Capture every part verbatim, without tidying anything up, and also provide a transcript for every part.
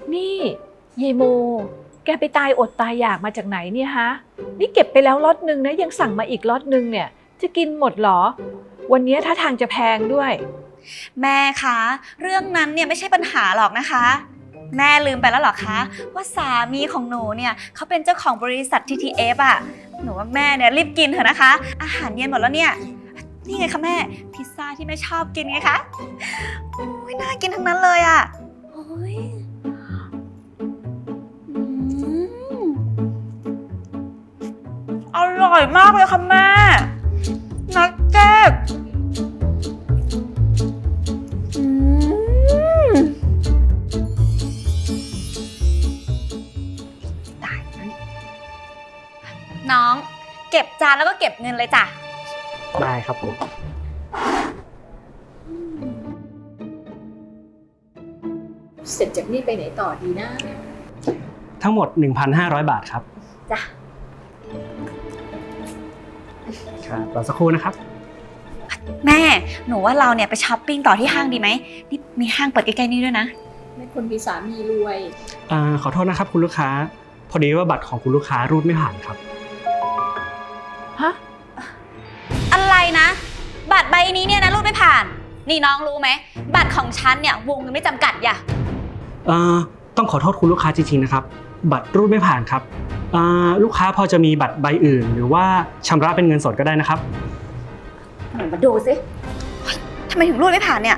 นี่ยายโมแกไปตายอดตายอยากมาจากไหนเนี่ยฮะนี่เก็บไปแล้วล็อตนึงนะยังสั่งมาอีกล็อตนึงเนี่ยจะกินหมดหรอวันนี้ถ้าทางจะแพงด้วยแม่คะเรื่องนั้นเนี่ยไม่ใช่ปัญหาหรอกนะคะแม่ลืมไปแล้วหรอคะว่าสามีของหนูเนี่ยเขาเป็นเจ้าของบริษัท ที ที เอฟ อ่ะหนูว่าแม่เนี่ยรีบกินเถอะนะคะอาหารเย็นหมดแล้วเนี่ยนี่ไงคะแม่พิซซ่าที่แม่ชอบกินไงคะโอ้ยน่ากินทั้งนั้นเลยอ่ะโอ้ยอร่อยมากเลยค่ะแม่นักเก็ตน้องเก็บจานแล้วก็เก็บเงินเลยจ้ะได้ครับผมเสร็จจากนี่ไปไหนต่อดีนะทั้งหมด หนึ่งพันห้าร้อย บาทครับจ้ะครับรอสักครู่นะครับแม่หนูว่าเราเนี่ยไปช้อปปิ้งต่อที่ห้างดีไหมนี่มีห้างเปิดใกล้ๆนี่ด้วยนะไม่คนมีสามีรวยอ่าขอโทษนะครับคุณลูกค้าพอดีว่าบัตรของคุณลูกค้ารูดไม่ผ่านครับฮะอะไรนะบัตรใบนี้เนี่ยนะรูดไม่ผ่านนี่น้องรู้ไหมบัตรของฉันเนี่ยวงเงินไม่จำกัดอย่าเอ่อต้องขอโทษคุณลูกค้าจริงๆนะครับบัตรรูดไม่ผ่านครับอ่าลูกค้าพอจะมีบัตรใบอื่นหรือว่าชำระเป็นเงินสดก็ได้นะครับมาดูสิทำไมถึงรูดไม่ผ่านเนี่ย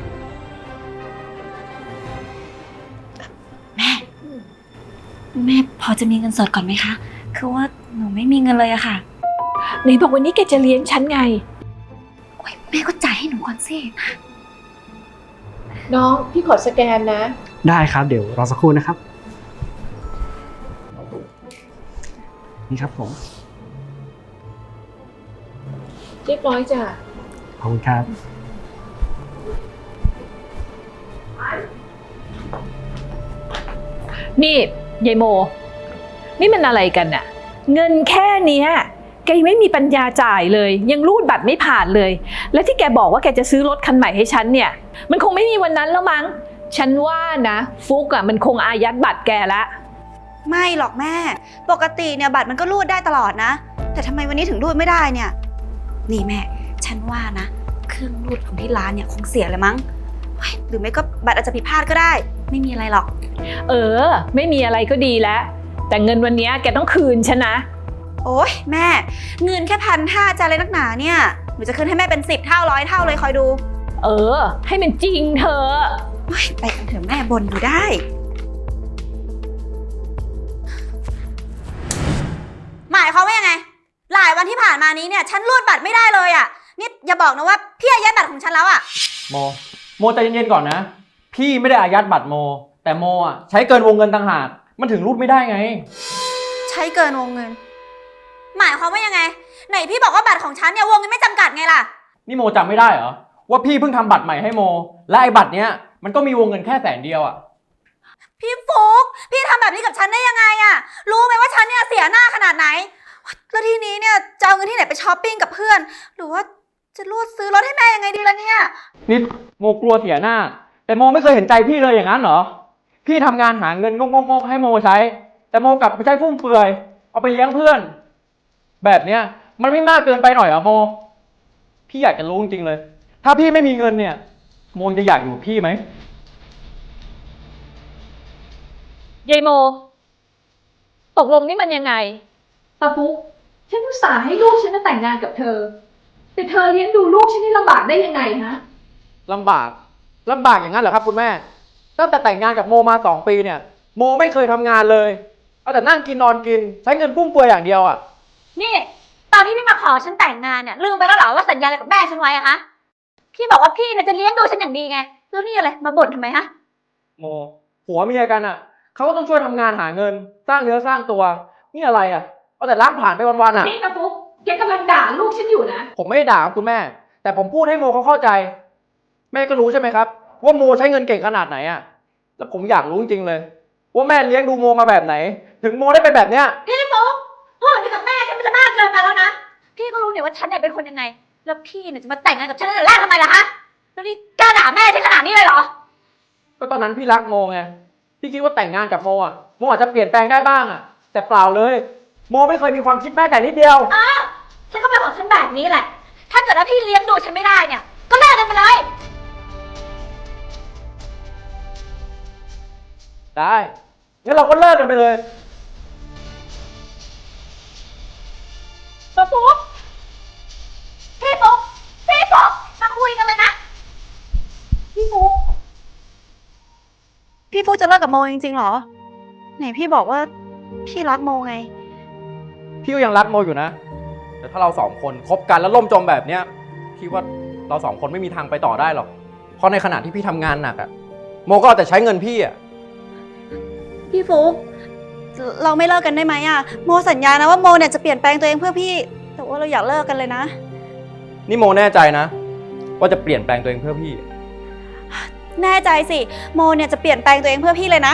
แม่แม่พอจะมีเงินสดก่อนไหมคะคือว่าหนูไม่มีเงินเลยอะค่ะไหนบอกวันนี้แกจะเลี้ยงฉันไงโอ๊ยแม่ก็จ่ายให้หนูก่อนสิน้องพี่ขอสแกนนะได้ครับเดี๋ยวรอสักครู่นะครับนี่ครับผมเรียบร้อยจ้ะขอบคุณครับนี่ยายโมนี่มันอะไรกันน่ะเงินแค่เนี้ยแกยังไม่มีปัญญาจ่ายเลยยังรูดบัตรไม่ผ่านเลยและที่แกบอกว่าแกจะซื้อรถคันใหม่ให้ฉันเนี่ยมันคงไม่มีวันนั้นแล้วมั้งฉันว่านะฟุกอ่ะมันคงอายัดบัตรแกละไม่หรอกแม่ปกติเนี่ยบัตรมันก็รูดได้ตลอดนะแต่ทำไมวันนี้ถึงรูดไม่ได้เนี่ยนี่แม่ฉันว่านะเครื่องรูดของที่ร้านเนี่ยคงเสียเลยมั้งหรือไม่ก็บัตรอาจจะผิดพลาดก็ได้ไม่มีอะไรหรอกเออไม่มีอะไรก็ดีแล้วแต่เงินวันนี้แกต้องคืนฉันนะโอ๊ยแม่เงินแค่พันห้าจะอะไรนักหนาเนี่ยหนูจะคืนให้แม่เป็นสิบเท่าร้อยเท่าเลยคอยดูเออให้มันจริงเธอไปกันเถอะแม่บ่นอยู่ได้หมายความว่ายังไงหลายวันที่ผ่านมานี้เนี่ยฉันรูดบัตรไม่ได้เลยอ่ะนี่อย่าบอกนะว่าพี่อายัดบัตรของฉันแล้วอ่ะโมโมใจเย็นๆก่อนนะพี่ไม่ได้อายัดบัตรโมแต่โมอ่ะใช้เกินวงเงินต่างหากมันถึงรูดไม่ได้ไงใช้เกินวงเงินหมายความว่ายังไงไหนพี่บอกว่าบัตรของฉันเนี่ยวงเงินไม่จำกัดไงล่ะนี่โมจำไม่ได้เหรอว่าพี่เพิ่งทำบัตรใหม่ให้โมและไอ้บัตรเนี้ยมันก็มีวงเงินแค่แสนเดียวอ่ะพี่ฟุ๊กพี่ทำแบบนี้กับฉันได้ยังไงอ่ะรู้ไหมว่าฉันเนี่ยเสียหน้าขนาดไหนแล้วทีนี้เนี่ยจะเอาเงินที่ไหนไปช้อปปิ้งกับเพื่อนหรือว่าจะรูดซื้อรถให้แม่ยังไงดีล่ะเนี่ยนี่โมกลัวเสียหน้าแต่โมไม่เคยเห็นใจพี่เลยอย่างนั้นเหรอพี่ทำงานหาเงินงกๆให้โมใช้แต่โมกลับไปใช้ฟุ่มเฟือยเอาไปเลี้ยงเพื่อนแบบเนี้ยมันไม่มากเกินไปหน่อยเหรอโมพี่อยากจะรู้จริงๆเลยถ้าพี่ไม่มีเงินเนี่ยโมจะอยากอยู่กับพี่ไหมยายโมตกลงนี่มันยังไงตาฟุกฉันอุตส่าห์ให้ลูกฉันมาแต่งงานกับเธอแต่เธอเลี้ยงดูลูกฉันให้ลำบากได้ยังไงฮะลำบากลำบากอย่างนั้นเหรอครับคุณแม่ตั้งแต่แต่งงานกับโมมาสองปีเนี่ยโมไม่เคยทำงานเลยเอาแต่นั่งกินนอนกินใช้เงินฟุ่มเฟือยอย่างเดียวอ่ะนี่ตอนที่พี่มาขอฉันแต่งงานเนี่ยลืมไปแล้วเหรอว่าสัญญาอะไรกับแม่ฉันไว้อะคะพี่บอกว่าพี่เนี่ยจะเลี้ยงดูฉันอย่างดีไงแล้วนี่อะไรมาบ่นทำไมฮะโมผัวเมียกันอ่ะเขาก็ต้องช่วยทำงานหาเงินสร้างเนื้อสร้างตัวนี่อะไรอ่ะเอาแต่รักผ่านไปวันๆอ่ะนี่ตาฟุกแกกำลังด่าลูกฉันอยู่นะผมไม่ได้ด่าคุณแม่แต่ผมพูดให้โมเขาเข้าใจแม่ก็รู้ใช่ไหมครับว่าโมใช้เงินเก่งขนาดไหนอ่ะแล้วผมอยากรู้จริงๆเลยว่าแม่เลี้ยงดูโมมาแบบไหนถึงโมได้เป็นแบบเนี้ยพี่ฟุ๊กพูดอย่างนี้กับแม่ฉันมันจะมากเกินไปแล้วนะพี่ก็รู้เนี่ยว่าฉันเนี่ยเป็นคนยังไงแล้วพี่เนี่ยจะมาแต่งงานกับฉันตั้งแต่แรกทำไมล่ะฮะแล้วนี่กล้าด่าแม่ฉันขนาดนี้เลยเหรอก็ตอนนั้นพี่รักโมไงพี่พี่คิดว่าแต่งงานกับโมอ่ะโมอาจจะเปลี่ยนแปลงได้บ้างอ่ะแต่เปล่าเลยโมไม่เคยมีความคิดแม้แต่นิดเดียวฉันก็เป็นของฉันแบบนี้แหละ ถ้าเกิดว่าพี่เลี้ยงดูฉันไม่ได้เนี่ย ก็เลิกกันไปเลยได้งั้นเราก็เลิกกันไปเลยพี่ฟุ๊กพี่ฟุ๊กพี่ฟุ๊กมาคุยกันเลยนะ พี่ฟุ๊กพี่ฟุ๊กจะเลิกกับโมจริงๆเหรอ ไหนพี่บอกว่าพี่รักโมไงพี่ก็ยังรักโมอยู่นะ แต่ถ้าเราสองคนคบกันแล้วล่มจมแบบเนี้ยพี่ว่าเราสองคนไม่มีทางไปต่อได้หรอกเพราะในขณะที่พี่ทำงานหนักอะโมก็เอาแต่ใช้เงินพี่อะพี่ฟุ๊กเราไม่เลิกกันได้ไหมอะโมสัญญานะว่าโมเนี่ยจะเปลี่ยนแปลงตัวเองเพื่อพี่ แต่ว่าเราอยากเลิกกันเลยนะนี่โมแน่ใจนะ ว่าจะเปลี่ยนแปลงตัวเองเพื่อพี่แน่ใจสิ โมเนี่ยจะเปลี่ยนแปลงตัวเองเพื่อพี่เลยนะ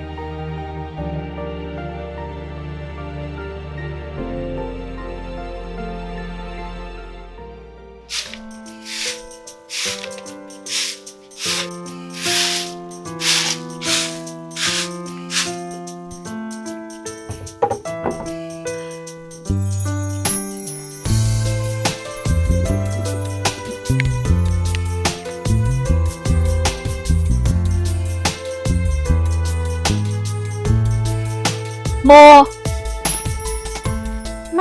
โมแม่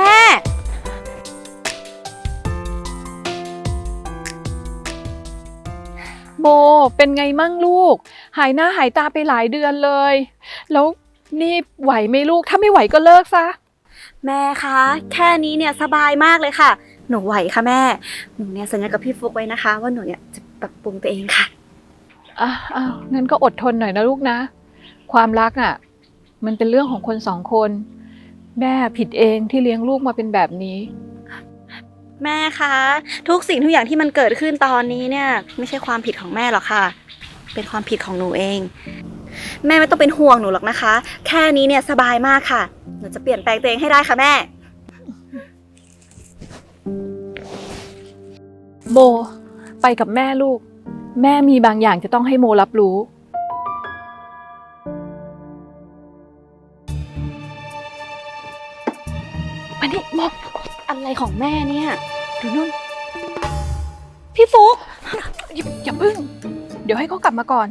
โม เป็นไงมั่งลูก หายหน้าหายตาไปหลายเดือนเลย แล้วนี่ไหวไหมลูก ถ้าไม่ไหวก็เลิกซะแม่คะ แค่นี้เนี่ยสบายมากเลยค่ะ หนูไหวค่ะแม่ หนูเนี่ยสัญญากับพี่ฟุกไว้นะคะ ว่าหนูเนี่ยจะปรับปรุงตัวเองค่ะอ่ะอ้าวงั้นก็อดทนหน่อยนะลูกนะ ความรักอ่ะ มันเป็นเรื่องของคนสองคน แม่ผิดเองที่เลี้ยงลูกมาเป็นแบบนี้แม่คะ ทุกสิ่งทุกอย่างที่มันเกิดขึ้นตอนนี้เนี่ย ไม่ใช่ความผิดของแม่หรอกค่ะ เป็นความผิดของหนูเอง แม่ไม่ต้องเป็นห่วงหนูหรอกนะคะ แค่นี้เนี่ยสบายมากค่ะ หนูจะเปลี่ยนแปลงตัวเองให้ได้ค่ะแม่โม ไปกับแม่ลูก แม่มีบางอย่างจะต้องให้โมรับรู้อันนี้โมอะไรของแม่เนี่ยดูนู่นพี่ฟุกอย่าอย่าพึ่ง เดี๋ยวให้เขากลับมาก่อน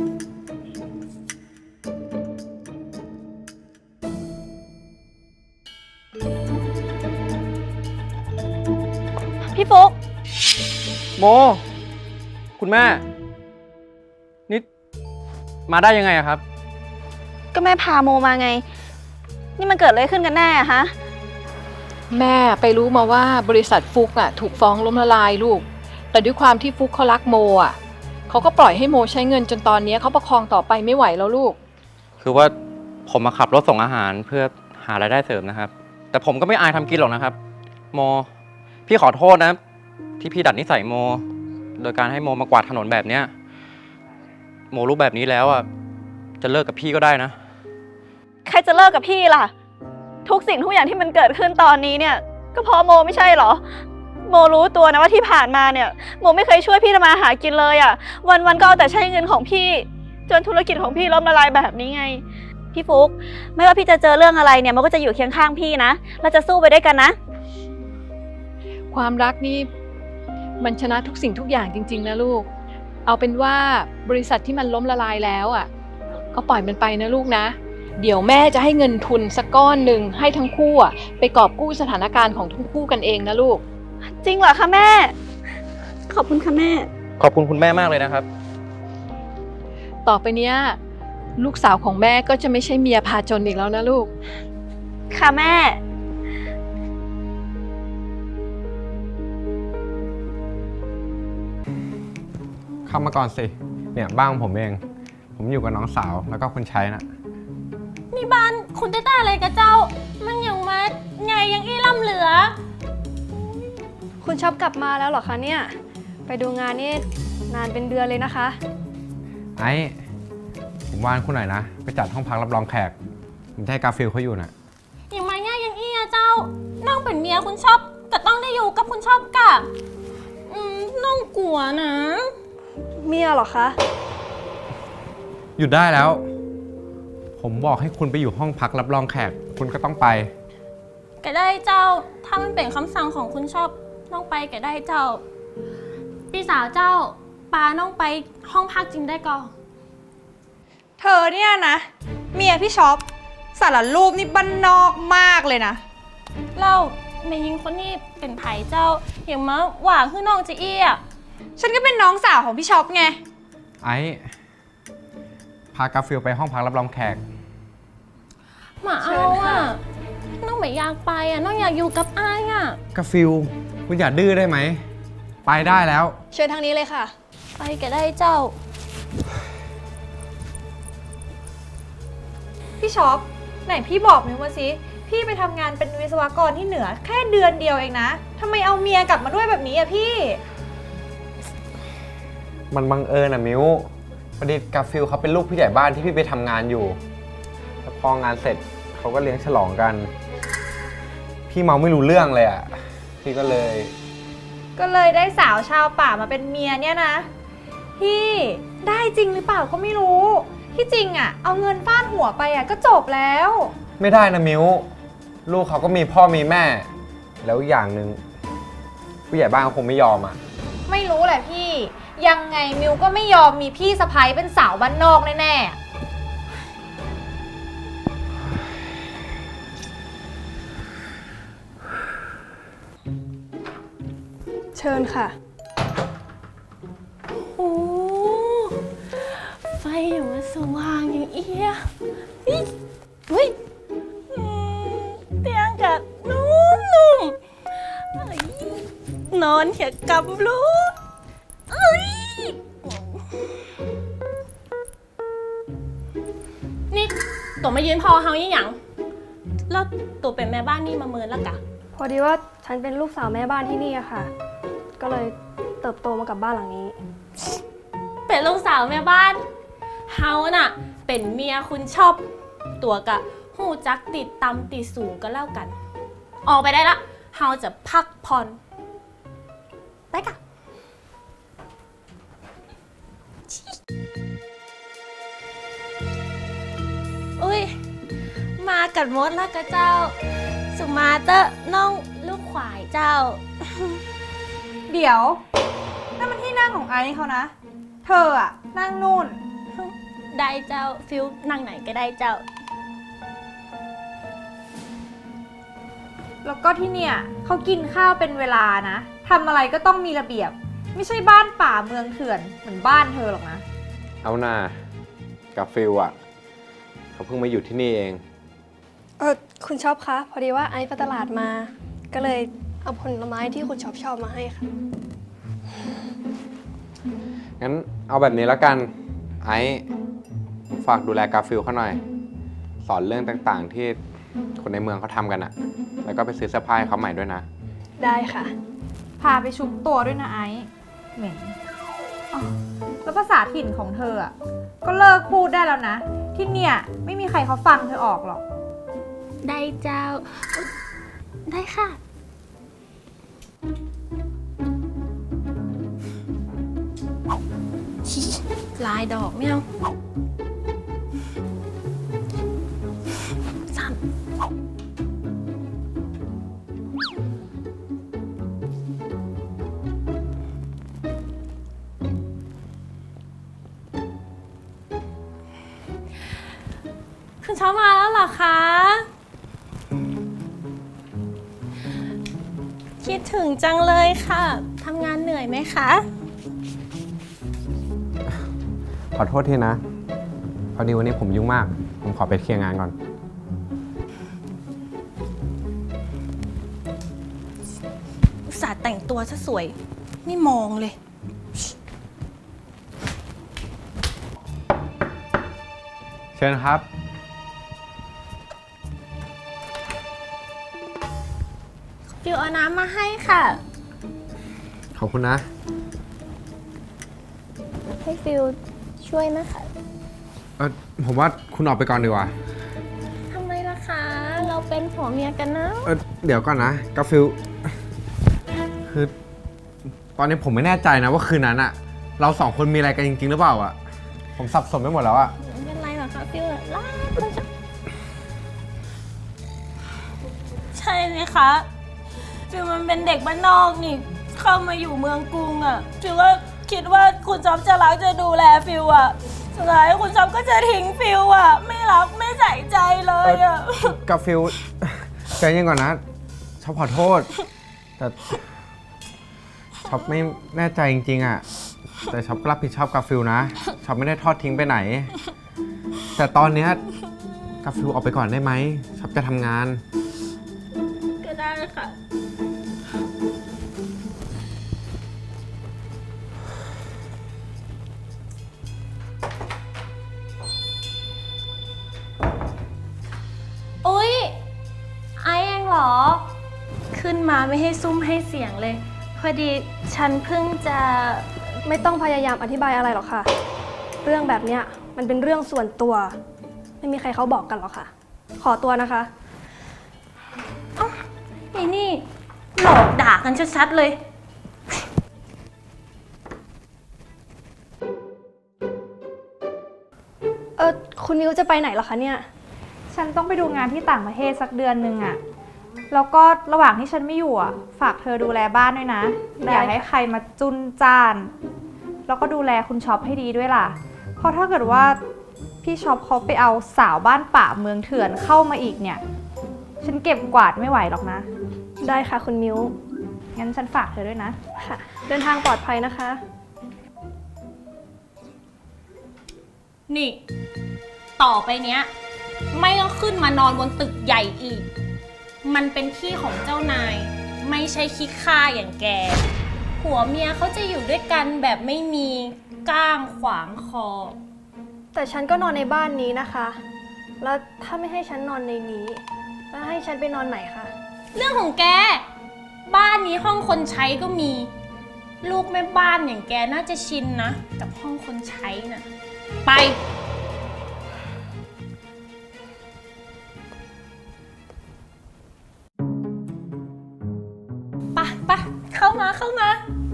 พี่ฟุกโม คุณแม่ นี่มาได้ยังไงอะครับก็แม่พาโมมาไง นี่มันเกิดอะไรขึ้นกันแน่อะฮะแม่ไปรู้มาว่าบริษัทฟุกอ่ะถูกฟ้องล้มละลายลูก แต่ด้วยความที่ฟุกเขารักโมอ่ะเขาก็ปล่อยให้โมใช้เงินจนตอนนี้เขาประคองต่อไปไม่ไหวแล้วลูกคือว่าผมมาขับรถส่งอาหารเพื่อหารายได้เสริมนะครับ แต่ผมก็ไม่อายทำกินหรอกนะครับ โม พี่ขอโทษนะ ที่พี่ดัดนิสัยโม โดยการให้โมมากวาดถนนแบบเนี้ยโมรู้แบบนี้แล้วอ่ะจะเลิกกับพี่ก็ได้นะใครจะเลิกกับพี่ล่ะ ทุกสิ่งทุกอย่างที่มันเกิดขึ้นตอนนี้เนี่ย ก็เพราะโมไม่ใช่เหรอ โมรู้ตัวนะว่าที่ผ่านมาเนี่ย โมไม่เคยช่วยพี่ทำมาหากินเลยอะ่ะ วันๆก็เอาแต่ใช้เงินของพี่ จนธุรกิจของพี่ล้มละลายแบบนี้ไง พี่ฟุก ไม่ว่าพี่จะเจอเรื่องอะไรเนี่ยโมก็จะอยู่เคียงข้างพี่นะเราจะสู้ไปด้วยกันนะความรักนี่มันชนะทุกสิ่งทุกอย่างจริงๆนะลูก เอาเป็นว่าบริษัทที่มันล้มละลายแล้วอ่ะก็ปล่อยมันไปนะลูกนะ เดี๋ยวแม่จะให้เงินทุนสักก้อนหนึ่งให้ทั้งคู่อ่ะไปกอบกู้สถานการณ์ของทั้งคู่กันเองนะลูกจริงเหรอคะแม่ ขอบคุณค่ะแม่ขอบคุณคุณแม่มากเลยนะครับต่อไปเนี้ยลูกสาวของแม่ก็จะไม่ใช่เมียพาจนอีกแล้วนะลูกค่ะแม่เข้ามาก่อนสิ เนี่ยบ้านของผมเอง ผมอยู่กับน้องสาวแล้วก็คนใช้นะนี่บ้านคุณเต้ๆอะไรกับเจ้า มันยังมาใหญ่ยังอี้ล่ำเหลือคุณชอบกลับมาแล้วเหรอคะเนี่ย ไปดูงานนี่นานเป็นเดือนเลยนะคะไอ้ผมวานคุณหน่อยนะ ไปจัดห้องพักรับรองแขก ผมจะให้กาฟิลเขาอยู่นะยังมาง่ายยังอี้อะเจ้า น้องเป็นเมียคุณชอบก็ต้องได้อยู่กับคุณชอบกะอืมน้องกลัวนะเมียเหรอคะหยุดได้แล้วผมบอกให้คุณไปอยู่ห้องพักรับรองแขก คุณก็ต้องไปก็ได้เจ้า ถ้ามันเป็นคำสั่งของคุณชอบน้องไปก็ได้เจ้า พี่สาวเจ้าปาน้องไปห้องพักจริงได้ก่อนเธอเนี่ยนะ เมียพี่ช็อปสารรูปนี่บ้านนอกมากเลยนะเราแม่ยิงคนนี้เป็นไผ่เจ้า อย่างมาหว่าคือน้องจะเอี้ยฉันก็เป็นน้องสาวของพี่ช็อปไงไอ้พากาฟิลไปห้องพักรับรองแขกหมาเชิเอาญค่ะอ่ะ น้องไม่อยากไปอ่ะ น้องอยากอยู่กับอ้ายอ่ะกาฟิลคุณอย่าดื้อได้ไหม ไปได้แล้วเชิญทางนี้เลยค่ะไปก็ได้เจ้าพี่ช็อปไหนพี่บอกมิวมาสิพี่ไปทำงานเป็นวิศวกรที่เหนือแค่เดือนเดียวเองนะทำไมเอาเมียกลับมาด้วยแบบนี้อะพี่มันบังเอิญอะมิวพอดีกาฟิลเขาเป็นลูกผู้ใหญ่บ้านที่พี่ไปทำงานอยู่แล้วพองานเสร็จเขาก็เลี้ยงฉลองกัน พี่เมาไม่รู้เรื่องเลยอะพี่ก็เลยก็เลยได้สาวชาวป่ามาเป็นเมียเนี่ยนะ พี่ได้จริงหรือเปล่าก็ไม่รู้ ที่จริงอะเอาเงินฟาดหัวไปอะก็จบแล้วไม่ได้นะมิวลูกเขาก็มีพ่อมีแม่ แล้วอย่างหนึ่งผู้ใหญ่บ้านเขาคงไม่ยอมอะไม่รู้แหละพี่ ยังไงมิวก็ไม่ยอมมีพี่สะใภ้เป็นสาวบ้านนอกแน่ๆ เชิญค่ะโอ้ไฟอย่างมาสว่างอย่างเอี้ยเฮ้ยเฮ้ยอืมเตียงกับนุ่มๆเอ้ยนอนเขียกับลูกเอ้ยนี่ตัวมายืนพอเฮายี่หยังแล้วตัวเป็นแม่บ้านนี่มาเมินแล้วกะพอดีว่าฉันเป็นลูกสาวแม่บ้านที่นี่อะค่ะ ก็เลยเติบโตมากับบ้านหลังนี้เป็นลูกสาวแม่บ้าน เฮาน่ะ เป็นเมียคุณชอบ ตัวกะหูจักติดตำติดสูงก็แล้วกัน ออกไปได้ละ เฮาจะพักผ่อนไปกะอุ้ย มากัดมดแล้วกะเจ้า สุมาเตอร์น้องลูกขวายเจ้าเดี๋ยวนั่นมันที่นั่งของไอซ์เขานะ เธออะนั่งนู่นได้เจ้าฟิลนั่งไหนก็ได้เจ้าแล้วก็ที่เนี่ยเขากินข้าวเป็นเวลานะทำอะไรก็ต้องมีระเบียบ ไม่ใช่บ้านป่าเมืองเถื่อนเหมือนบ้านเธอหรอกนะเอาหน้ากับฟิลอะเขาเพิ่งมาอยู่ที่นี่เองเออคุณช็อปคะ พอดีว่าไอซ์ไปตลาดมา ก็เลยเอาผลไม้ที่คุณช็อปชอบมาให้ค่ะงั้นเอาแบบนี้แล้วกัน ไอ้ฝากดูแลกาฟิลเขาหน่อย สอนเรื่องต่างๆที่คนในเมืองเขาทำกันอะแล้วก็ไปซื้อเสื้อผ้าให้เขาใหม่ด้วยนะได้ค่ะพาไปชุบตัวด้วยนะไอซ์เหม็นอ๋อแล้วภาษาถิ่นของเธออะก็เลิกพูดได้แล้วนะ ที่เนี่ยไม่มีใครเขาฟังเธอออกหรอกได้เจ้า ได้ค่ะ ลายดอกไม่เอาสามคุณเช้ามาแล้วเหรอคะ คิดถึงจังเลยค่ะ ทำงานเหนื่อยไหมคะขอโทษทีนะ พอดีวันนี้ผมยุ่งมาก ผมขอไปเคลียร์งานก่อนอุตส่าห์แต่งตัวซะสวย ไม่มองเลยเชิญครับฟิวเอาน้ำมาให้ค่ะขอบคุณนะให้ฟิวช่วยนะคะเออผมว่าคุณออกไปก่อนดีกว่าทำไมล่ะคะ เราเป็นผัวเมียกันนะเออเดี๋ยวก่อนนะกาฟิล คือตอนนี้ผมไม่แน่ใจนะว่าคืนนั้นอะเราสองคนมีอะไรกันจริงๆหรือเปล่าอะผมสับสนไปหมดแล้วอะไม่เป็นไรหรอกค่ะฟิลอะรักและชอบใช่ไหมคะ ฟิลมันเป็นเด็กบ้านนอกนี่ เข้ามาอยู่เมืองกรุงอะฟิลว่าคิดว่าคุณจ๊อบจะรักจะดูแลฟิลอะสุดท้ายคุณจ๊อบก็จะทิ้งฟิลอะไม่รักไม่ใส่ใจเลยอะกาฟิลใจเย็นก่อนนะชอบขอโทษ แต่ช็อปไม่แน่ใจจริงๆอ่ะ แต่ช็อปรับผิดชอบกาฟิลนะช็อปไม่ได้ทอดทิ้งไปไหน แต่ตอนเนี้ยกาฟิลออกไปก่อนได้ไหมช็อปจะทำงานก็ได้ค่ะ อุ๊ย ไอเองเหรอ ขึ้นมาไม่ให้ซุ่มให้เสียงเลย พอดีฉันเพิ่งจะไม่ต้องพยายามอธิบายอะไรหรอกค่ะ เรื่องแบบเนี้ยมันเป็นเรื่องส่วนตัว ไม่มีใครเขาบอกกันหรอกค่ะ ขอตัวนะคะไอ้นี่ หลอกด่ากันชัดๆเลยเออคุณนิวจะไปไหนเหรอคะเนี่ยฉันต้องไปดูงานที่ต่างประเทศสักเดือนหนึ่งอะแล้วก็ระหว่างที่ฉันไม่อยู่อะฝากเธอดูแลบ้านด้วยนะได้อย่าให้ใครมาจุนจ้าน แล้วก็ดูแลคุณช็อปให้ดีด้วยล่ะ เพราะถ้าเกิดว่าพี่ช็อปเขาไปเอาสาวบ้านป่าเมืองเถื่อนเข้ามาอีกเนี่ย ฉันเก็บกวาดไม่ไหวหรอกนะได้ค่ะคุณมิวงั้นฉันฝากเธอด้วยนะค่ะ เดินทางปลอดภัยนะคะนี่ ต่อไปเนี้ย ไม่ต้องขึ้นมานอนบนตึกใหญ่อีก มันเป็นที่ของเจ้านาย ไม่ใช่ขี้ข้าอย่างแก ผัวเมียเขาจะอยู่ด้วยกันแบบไม่มีก้างขวางคอแต่ฉันก็นอนในบ้านนี้นะคะ แล้วถ้าไม่ให้ฉันนอนในนี้ แล้วให้ฉันไปนอนไหนคะเรื่องของแก บ้านนี้ห้องคนใช้ก็มี ลูกแม่บ้านอย่างแกน่าจะชินนะ กับห้องคนใช้น่ะ ไป ไปไปเข้ามาเข้ามา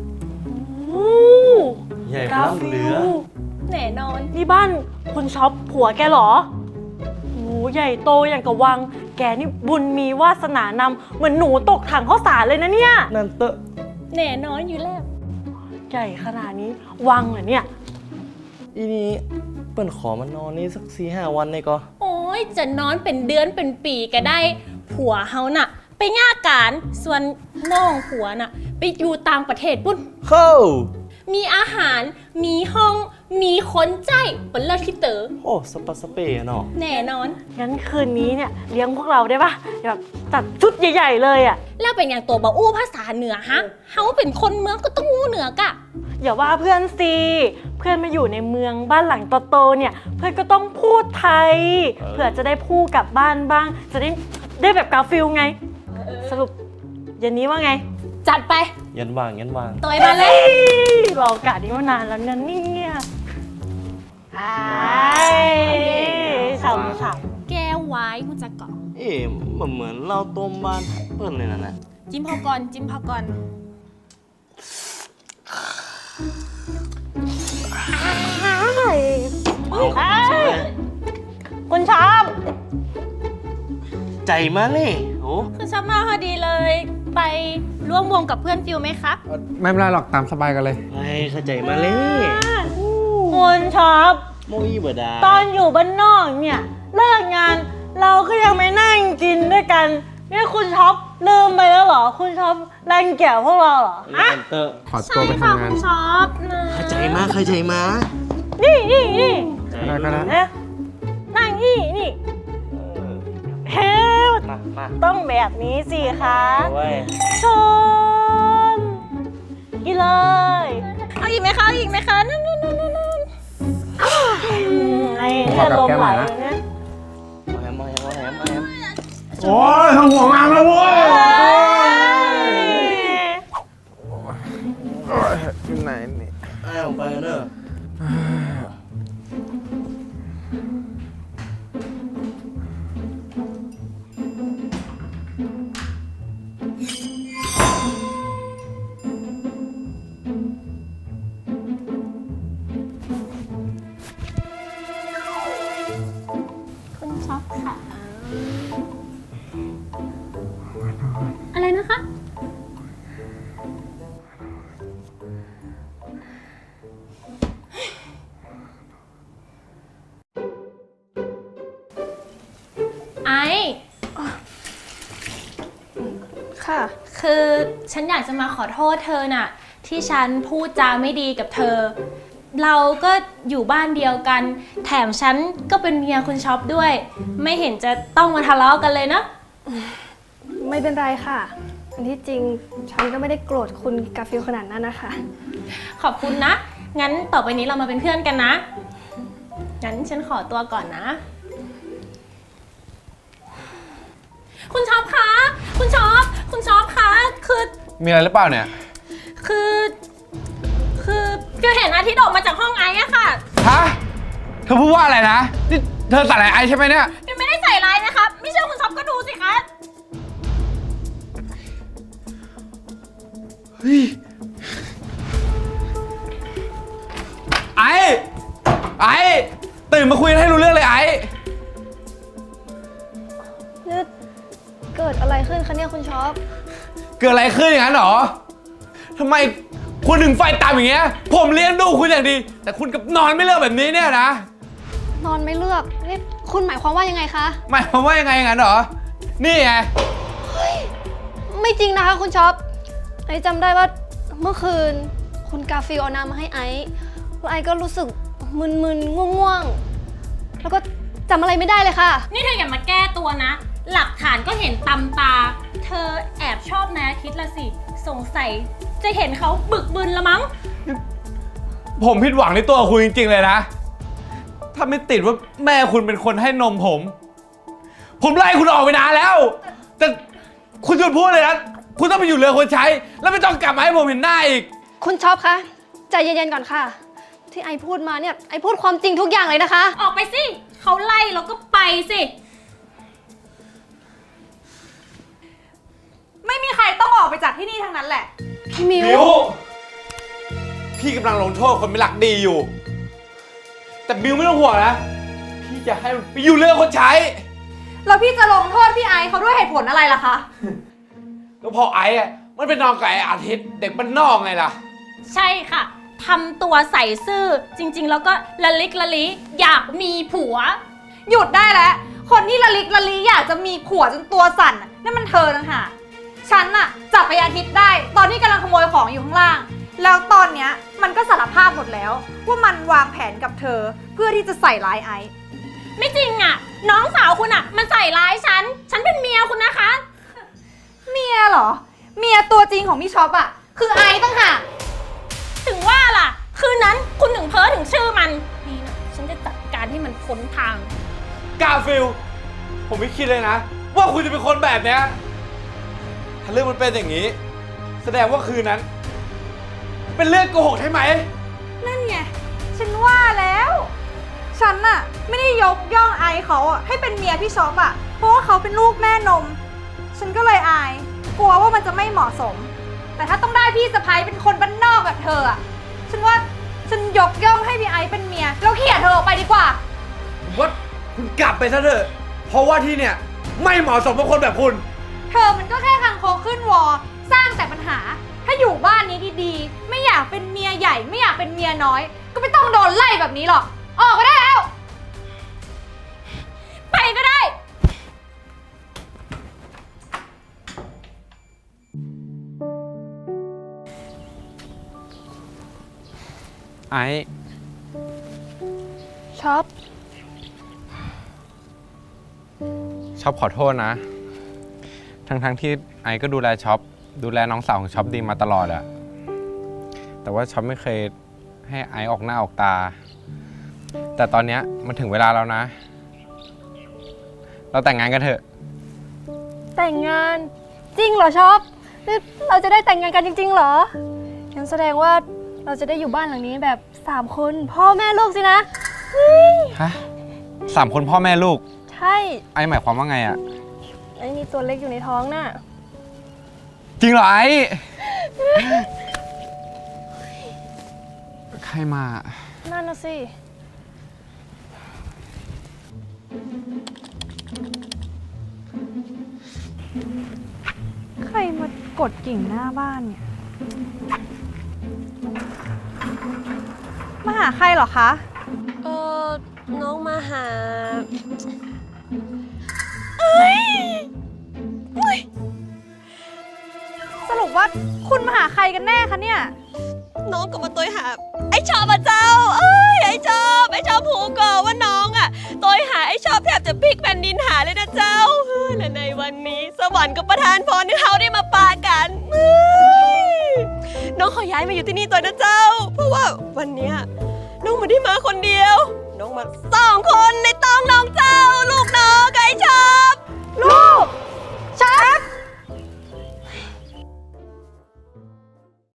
ใหญ่พลังเหลือแน่นอนนี่บ้านคุณช็อปผัวแกเหรอโหใหญ่โตอย่างกับวัง แกนี่บุญมีวาสนานำเหมือนหนูตกถังข้าวสารเลยนะเนี่ยนั่นเตอะแน่นอนอยู่แล้วใหญ่ขนาดนี้วังเหรอเนี่ยอีนี้เปิ้นขอมานอนนี่สักสี่ห้าวันเลยก็โอ้ยจะนอนเป็นเดือนเป็นปีก็ได้ ผัวเฮาน่ะ ไปง่าการส่วนน้องผัวน่ะ ไปอยู่ต่างประเทศปุ้นเข้ามีอาหาร มีห้อง มีคนใจเป็นเลิศที่เต๋อโอ้สปาสเปะเนาะแน่นอนงั้นคืนนี้เนี่ยเลี้ยงพวกเราได้ปะแบบจัดชุดใหญ่ๆเลยอ่ะแล้วเป็นอย่างตัวบาอู้ภาษาเหนือฮะ เฮาเป็นคนเมืองก็ต้องอู้เหนือกะอย่าว่าเพื่อนสิเพื่อนมาอยู่ในเมืองบ้านหลังโตๆเนี่ย เพื่อนก็ต้องพูดไทย เผื่อจะได้พูดกลับบ้านบ้าง จะได้ได้แบบกาฟิลไง สรุปเย็นนี้ว่าไงจัดไปยันวางยันวางตัวมาเลยรอโอกาสนี้มานานแล้วนะเนี่ยไอ้สาวสาวแก้วไว้กูจะเกาะเอ๊ะมันเหมือนเราต้มบ้านเปิ้นเลยนะนะจิ้มพอก่อน จิ้มพอก่อนคุณชอบใจมาเลยโอ้คือชอบมาพอดีเลย ไปร่วมวงกับเพื่อนฟิลไหมครับไม่เป็นไรหรอกตามสบายกันเลยไอ้เข้าใจมาเลยคุณชอบโมอีบดาตอนอยู่บ้านนอกเนี่ยเลิกงาน เราก็ยังไม่นั่งกินด้วยกันนี่คุณช็อปลืมไปแล้วเหรอ คุณช็อปรังเกียจพวกเราเหรอฮะนั่นเตอะขอตัใช่วไปค่ะทำงาคุนณชอบนะเข้าใจมาเข้าใจมานี่นี่นี่ได้ก็ได้นะนั่งนี่นี่เฮ้ยมามาต้องแบบนี้สิคะเอาไว้ชนกินเลยเอาอีกไหมคะเอาอีกไหมคะนั่นนั่นนั่นนั่นไอ้เนี่ยลมไหลเลยนะมาแฮมมาแฮมมาแฮมมาแฮมโอ้ยทำหัวงานแล้วเว้ยอยู่ไหนนี่อ้าวไปเนอะช็อปค่ะ อะไรนะคะ ไอค่ะคือฉันอยากจะมาขอโทษเธอน่ะ ที่ฉันพูดจาไม่ดีกับเธอ เราก็อยู่บ้านเดียวกัน แถมฉันก็เป็นเมียคุณช็อปด้วย ไม่เห็นจะต้องมาทะเลาะกันเลยนะไม่เป็นไรค่ะ อันที่จริงฉันก็ไม่ได้โกรธคุณกาฟิลขนาดนั้นนะคะขอบคุณนะ งั้นต่อไปนี้เรามาเป็นเพื่อนกันนะ งั้นฉันขอตัวก่อนนะ คุณช็อปคะ คุณช็อป คุณช็อปคะ คือมีอะไรหรือเปล่าเนี่ยคือ คือคือเห็นอาทิตย์ออกมาจากห้องไอซ์อะค่ะฮะ เธอพูดว่าอะไรนะ นี่เธอใส่อะไรไอใช่ไหมเนี่ยยังไม่ได้ใส่ร้ายนะคะ ไม่เชื่อคุณช็อปก็ดูสิคะเฮ้ย ไอไอตื่นมาคุยกันให้รู้เรื่องเลยไอนี่เกิดอะไรขึ้นคะเนี่ยคุณช็อปเกิดอะไรขึ้นอย่างนั้นหรอทำไมคุณถึงไฟต่ำอย่างเงี้ย ผมเลี้ยงดูคุณอย่างดี แต่คุณกับนอนไม่เลิกแบบนี้เนี่ยนะนอนไม่เลือกนี่คุณหมายความว่ายังไงคะหมายความว่ายังไงอย่างนั้นหรอ นี่ไงไม่จริงนะคะคุณช็อป ไอซ์จำได้ว่าเมื่อคืนคุณกาฟิลเอาน้ำมาให้ไอซ์แล้วไอซ์ก็รู้สึกมึนๆง่วงๆ แล้วก็จำอะไรไม่ได้เลยค่ะนี่เธออย่ามาแก้ตัวนะ หลักฐานก็เห็นตำตา เธอแอบชอบนายอาทิตย์ละสิ สงสัยจะเห็นเขาบึกบึนละมั้งผมผิดหวังในตัวคุณจริงๆเลยนะ ถ้าไม่ติดว่าแม่คุณเป็นคนให้นมผม ผมไล่คุณออกไปนานแล้ว แต่คุณหยุดพูดเลยนะ คุณต้องไปอยู่เรือคนใช้ แล้วไม่ต้องกลับมาให้ผมเห็นหน้าอีกคุณช็อปคะใจเย็นๆก่อนค่ะ ที่ไอซ์พูดมาเนี่ยไอซ์พูดความจริงทุกอย่างเลยนะคะออกไปสิ เขาไล่เราก็ไปสิไม่มีใครต้องออกไปจากที่นี่ทั้งนั้นแหละพี่มิวมิวพี่กำลังลงโทษคนไม่รักดีอยู่ แต่มิวไม่ต้องห่วงนะ พี่จะให้มันไปอยู่เรือคนใช้แล้วพี่จะลงโทษพี่ไอซ์เขาด้วยเหตุผลอะไรล่ะคะก็พอไอ้อะมันเป็นนอนกับไอ้อาทิตย์เด็กบ้านนอกไงล่ะใช่ค่ะ ทำตัวใส่ซื่อ จริงๆ แล้วก็ละลิกละลิอยากมีผัวหยุดได้แล้ว คนที่ละลิกละลีอยากจะมีผัวจนตัวสั่นน่ะนั่นมันเธอต่างหากฉันน่ะจับไปอาทิตย์ได้ ตอนที่กำลังขโมยของอยู่ข้างล่าง แล้วตอนเนี้ยมันก็สารภาพหมดแล้ว ว่ามันวางแผนกับเธอเพื่อที่จะใส่ร้ายไอซ์ไม่จริงอ่ะ น้องสาวคุณอ่ะ มันใส่ร้ายฉัน ฉันเป็นเมียคุณนะคะเมียเหรอ เมียตัวจริงของพี่ช็อปอะคือไอซ์ต่างหากถึงว่าล่ะ คืนนั้นคุณถึงเพ้อถึงชื่อมันนี่นะฉันจะจัดการให้มันพ้นทางกาฟิล ผมไม่คิดเลยนะ ว่าคุณจะเป็นคนแบบเนี้ย ถ้าเรื่องมันเป็นอย่างนี้ แสดงว่าคืนนั้น เป็นเรื่องโกหกใช่ไหมนั่นไง ฉันว่าแล้ว ฉันน่ะไม่ได้ยกย่องไอซ์เขาอะให้เป็นเมียพี่ช็อปอะเพราะว่าเขาเป็นลูกแม่นม ฉันก็เลยอาย กลัวว่ามันจะไม่เหมาะสม แต่ถ้าต้องได้พี่สะพ้ายเป็นคนบ้านนอกแบบเธออะฉันว่าฉันยกย่องให้พี่ไอซ์เป็นเมียแล้วเขี่ยเธอออกไปดีกว่าผมว่าคุณกลับไปซะเถอะ เพราะว่าที่เนี่ยไม่เหมาะสมกับคนแบบคุณเธอมันก็แค่คังคกขึ้นวอ สร้างแต่ปัญหา ถ้าอยู่บ้านนี้ดีๆ ไม่อยากเป็นเมียใหญ่ ไม่อยากเป็นเมียน้อย ก็ไม่ต้องโดนไล่แบบนี้หรอก ออกไปได้แล้วไปก็ได้ไอ้ช็อปชอบขอโทษนะ ทั้งๆที่ไอ้ก็ดูแลช็อปดูแลน้องสาวของช็อปดีมาตลอดอะแต่ว่าช็อปไม่เคยให้ไอ้ออกหน้าออกตา แต่ตอนเนี้ยมันถึงเวลาแล้วนะ เราแต่งงานกันเถอะแต่งงานจริงเหรอช็อปนี่เราจะได้แต่งงานกันจริงๆเหรองั้นแสดงว่าเราจะได้อยู่บ้านหลังนี้แบบสามคนพ่อแม่ลูกสินะฮะสามคนพ่อแม่ลูกใช่ไอ้หมายความว่าไงอะไอ้นี่ตัวเล็กอยู่ในท้องน่ะจริงเหรอไอ้ ใครมานั่นน่ะสิกดกิ่งหน้าบ้านเนี่ย มาหาใครเหรอคะเออน้องมาหาสรุปว่าคุณมาหาใครกันแน่คะเนี่ยน้องก็มาตัวหา ไอ้ชอบอะเจ้า เอ้ยไอ้ชอบไอ้ชอบผูกก่อว่าน้องอะตัวหาไอ้ชอบแทบจะพลิกแผ่นดินหาเลยนะเจ้าเฮ้ยและในวันนี้ สวรรค์ก็ประทานพรให้เขาได้มาปากันเฮ้ยน้องขอย้ายมาอยู่ที่นี่ตัวนะเจ้า เพราะว่าวันเนี้ยน้องไม่ได้มาคนเดียว น้องมาสองคนในต้องน้องเจ้า ลูกน้องกับไอ้ชอบลูก